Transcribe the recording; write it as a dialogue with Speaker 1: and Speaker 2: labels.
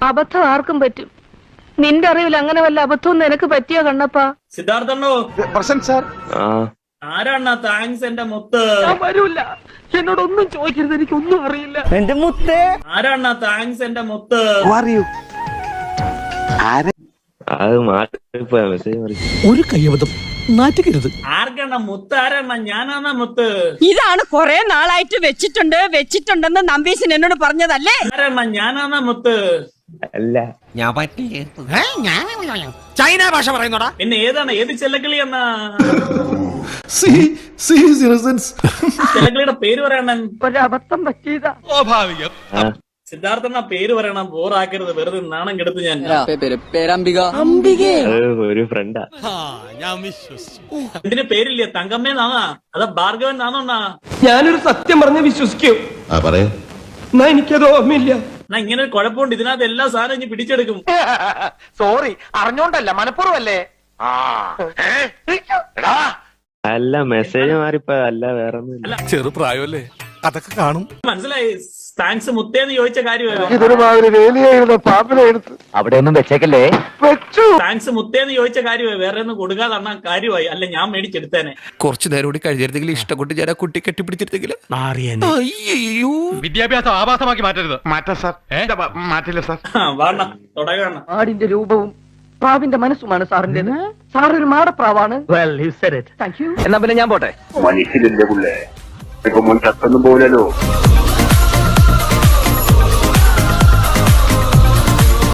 Speaker 1: അബദ്ധം ആർക്കും പറ്റും. നിന്റെ അറിവിൽ അങ്ങനെ വല്ല അബദ്ധവും നിനക്ക് പറ്റിയോ കണ്ണപ്പാ?
Speaker 2: സിദ്ധാർത്ഥണ്ണോ
Speaker 3: പ്രസന്റ് സാർ.
Speaker 2: ആരാണ് താങ്ക്സ് എന്റെ മുത്ത്?
Speaker 1: ഞാൻ വരൂല, എന്നോടൊന്നും ചോദിക്കരുത്, എനിക്കൊന്നും അറിയില്ല.
Speaker 4: എന്റെ മുത്തേ
Speaker 2: ആരാണ് താങ്ക്സ് എന്റെ മുത്ത്?
Speaker 5: ഒരു കയ്യബദ്ധം നാറ്റിക്കരുത്.
Speaker 2: ആർക്കണ്ണ മുത്ത്? ആരാണ്? ഞാനാണ് മുത്ത്.
Speaker 6: ഇതാണ് കൊറേ നാളായിട്ട് വെച്ചിട്ടുണ്ടെന്ന് നമ്പീശൻ എന്നോട് പറഞ്ഞതല്ലേ?
Speaker 2: ആരാണ്? ഞാനാണ് മുത്ത്.
Speaker 5: അല്ല, ഞാൻ പറ്റില്ല. ചൈന ഭാഷ പറയുന്നോടാ.
Speaker 2: പിന്നെ ഏതാണ്? ഏത് ചെല്ലക്കിളി എന്നാ? ചെല്ലക്കിളിയുടെ പേര് പറയണം.
Speaker 1: ഒരബദ്ധം പറ്റിയതാ.
Speaker 5: സ്വാഭാവികം.
Speaker 2: സിദ്ധാർത്ഥണ്ണ പേര് പറയണം, ബോറാക്കരുത്, വെറുതെ നാണം കെടുത്ത് ഞാൻ.
Speaker 5: ഒരു ഫ്രണ്ടാ.
Speaker 2: ഇതിന് പേരില്ലേ? തങ്കമ്മേന്നാ? അതാ ഭാർഗവൻ നാന്നോണ്ണാ?
Speaker 4: ഞാനൊരു സത്യം പറഞ്ഞ് വിശ്വസിക്കൂ. എന്നാ എനിക്കത് ഓർമ്മയില്ല.
Speaker 2: എന്നാ ഇങ്ങനെ ഒരു കുഴപ്പമുണ്ട്, ഇതിനകത്ത് എല്ലാ സാധനം ഇനി പിടിച്ചെടുക്കും.
Speaker 3: സോറി, അറിഞ്ഞോണ്ടല്ല, മനഃപൂർവ്വല്ലേ.
Speaker 5: അല്ല, മെസ്സേജ് മാറിപ്പോ. അല്ല, വേറെ ഒന്നുമില്ല.
Speaker 7: ചെറുപ്രായമല്ലേ, അതൊക്കെ കാണും.
Speaker 2: മനസ്സിലായി. താങ്ക്സ് മുത്തേന്ന് ചോദിച്ച കാര്യമല്ല.
Speaker 3: ഇതൊരുമാതിരി വേലിയായിരുന്നു, പാമ്പിനെ എടുത്ത് അവിടെ ഒന്നും വെച്ചേക്കല്ലേ. വെച്ചു.
Speaker 2: താങ്ക്സ് മുത്തേന്ന് ചോദിച്ച കാര്യമായി, വേറെ ഒന്നും കൊടുക്കാതെ അണ്ണാ കാര്യമായി. അല്ല, ഞാൻ മേടിച്ചെടുത്തേനെ.
Speaker 7: കുറച്ചു നേരം കൂടി കഴിഞ്ഞിരുന്നെങ്കിൽ ഇഷ്ടപ്പെട്ട് ഞാൻ ആ കുട്ടി കെട്ടിപ്പിടിച്ചിരുന്നെങ്കിൽ. അയ്യോ,
Speaker 8: വിദ്യാഭ്യാസം ആഭാസമാക്കി മാറ്റരുത്.
Speaker 3: മാറ്റാ സാർ. മാറ്റില്ല സാർ.
Speaker 2: വാണ തുടങ്ങണ.
Speaker 1: ആടിന്റെ രൂപവും പ്രാവിന്റെ മനസ്സുമാണ് സാറിന്റേത്. സാറൊരു മാടപ്രാവാണ്.
Speaker 4: Thank you. എന്നാ പിന്നെ ഞാൻ പോട്ടെ.
Speaker 9: മനുഷ്യരില്ലേ പുള്ളേ, ഇപ്പൊ മുൻ ചത്തൊന്നും പോലല്ലോ.